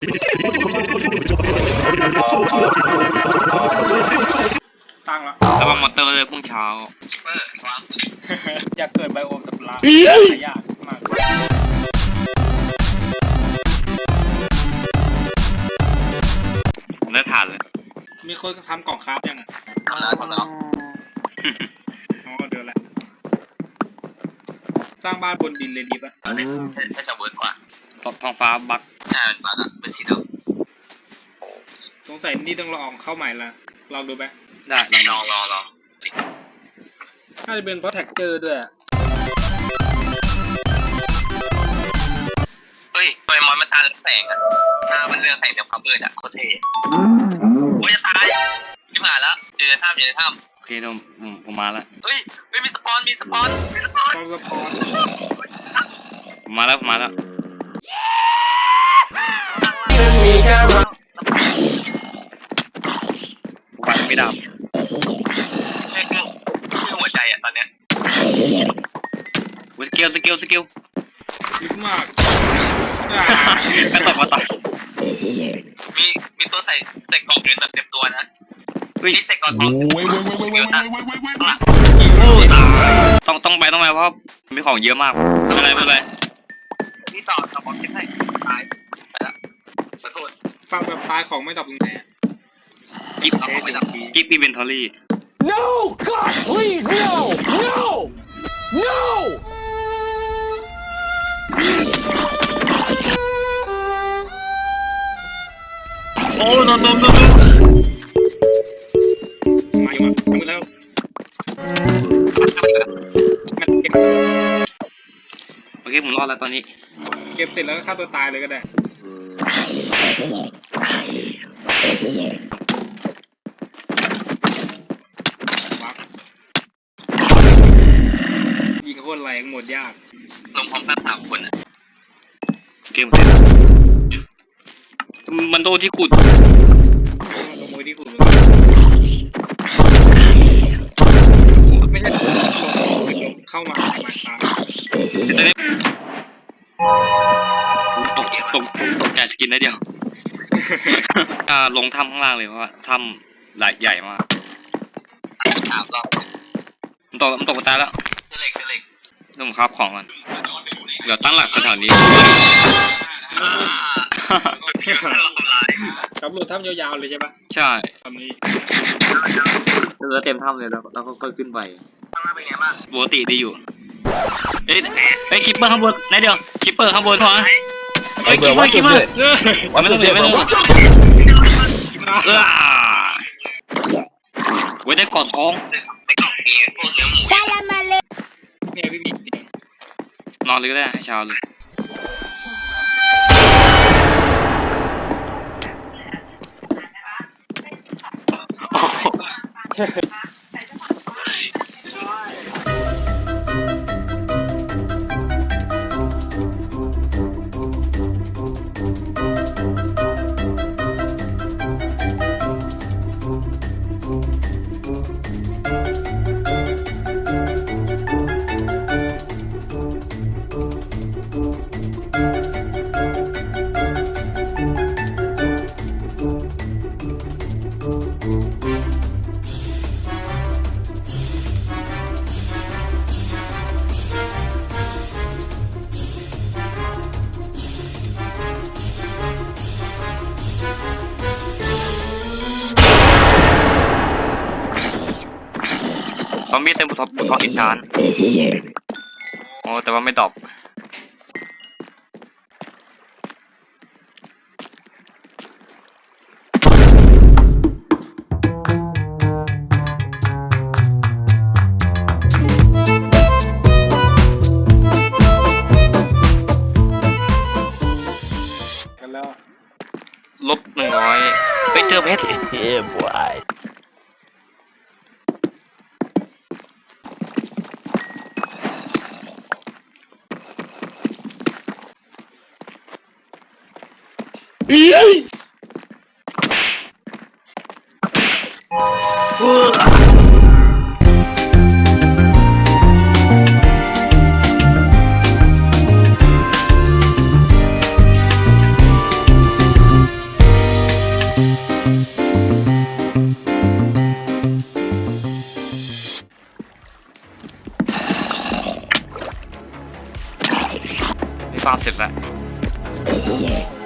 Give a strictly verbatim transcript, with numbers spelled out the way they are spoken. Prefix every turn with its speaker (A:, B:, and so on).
A: ตั้งแล้ว
B: ระวังมอเตอร์เลยพรุ่งเช้า
A: อยากเกิดไบโอมสัตว์ร้ายยากมาก
B: ผมได้ถ่านเลย
A: มีคนทำกล่องคราฟยังอ่ะ
C: ทำแล้วทำแล้ว
A: อ๋อเดี๋ยวแหละสร้างบ้านบนดินเลยดีป่ะ
C: อันนี้ถ้าจะเวิร์กกว่า
B: ท้องฟ้าบัก
C: ใช่บักอะเป็นสีด
A: ำสงสัยนี่ต้องลองเข้าใหม่ละลองดูไหม
B: ได้
C: ลองลองลอง
A: น่าจะเป็นเพราะแท็กเจอร์ด้วย
C: เฮ้ยทำไมมอนมันตาเรืองแสงอะตามันเรืองแสงแบบความมืดอะโคตรเท่โอ้ยจะตายชิบหายแล้วอยู่ในถ้ำอยู่ในถ้ำ
B: โอเคผมผมมาแล้ว
C: เฮ้ยไม่มีสปอนมีสปอนมีสปอน
A: สปอน
B: ผมมาแล้วผมมาแล้วไฟไม่ดับ
C: แค่เครื่องหัวใจอะตอนเนี้ย
B: สกิลสกิลสกิล
A: ลึกมาก
B: ไม่ตกมาตก
C: มีมีตัวใส่ใส่กล่องเงินแบบเต็มตัวนะนี่ใส่กล่องทอง
B: ต้องต้องไปต้องไปเพราะมีของเยอะมากไม่เป็นไรไม่เป็นไร
C: นี่ต่อต่อบอลเก็บให้ตายไปละขอโทษ
A: ฟังแบบตายของไม่ดับตรงไหน
B: กิฟกิฟอีเวนทอรี่
D: No God please no no no
B: โอ้นนนนน
A: มาอยู่มาอยู่แล้ว
B: โอเคผมรอดแล้วตอนนี้
A: เก็บเสร็จแล้วก็ฆ่าตัวตายเลยก็ได้ยิงโคตรแรงหมดยาก
C: ลงพร้อมกันสามคนอ่ะ
B: เกมเสร็จมันโดนที่ขุด
A: ลงมือที่ขุดไม่ใช่เข้ามามาตาม
B: ตกตกตกแกสกินได้เดียวอ่าลงถ้ำข้างล่างเลยเพราะว่าถ้ำหลายใหญ่มาก
C: สามรอบ
B: มันตกมันตกตายแล้ว
C: เล็กเล็ก
B: ต้องคราบของกันเดี๋ยวตั้งหลักแถวนี้
A: ตำรวจถ้ำยาวๆเลยใช่ปะ
B: ใช่
A: ทำนี้
B: เรือเต็มถ้ำเลยแล้วแล้วก็ค่อยขึ้นไป
C: ข้างล่างเป็นไงบ้าง
B: ปกติดีอยู่เอ้ยเอ้ยคิปเปอร์ข้างบนไหนเดียวคิปเปอร์ข้างบนหัวเฮ้ยคิปเปอร์คิปเปอร์ไม่ต้องเลยไม่ต้องเออไว้ได้กอดท้อง
C: ไอ้กล่องเอพวกเนื้อหมู
A: เนี่ยพี่มี
B: นอนเลยก็ได้ให้เช้าเลยตอนมีเต็มบุทบบุทบอินทานโอ้แต่ว่าไม่ดอก
A: กันแล้ว
B: ลบหนึ่งร้อยไปเจอเพชร
D: เฮ้ยบอย
B: เอ้ยฟาร์มเสร็จแล้ว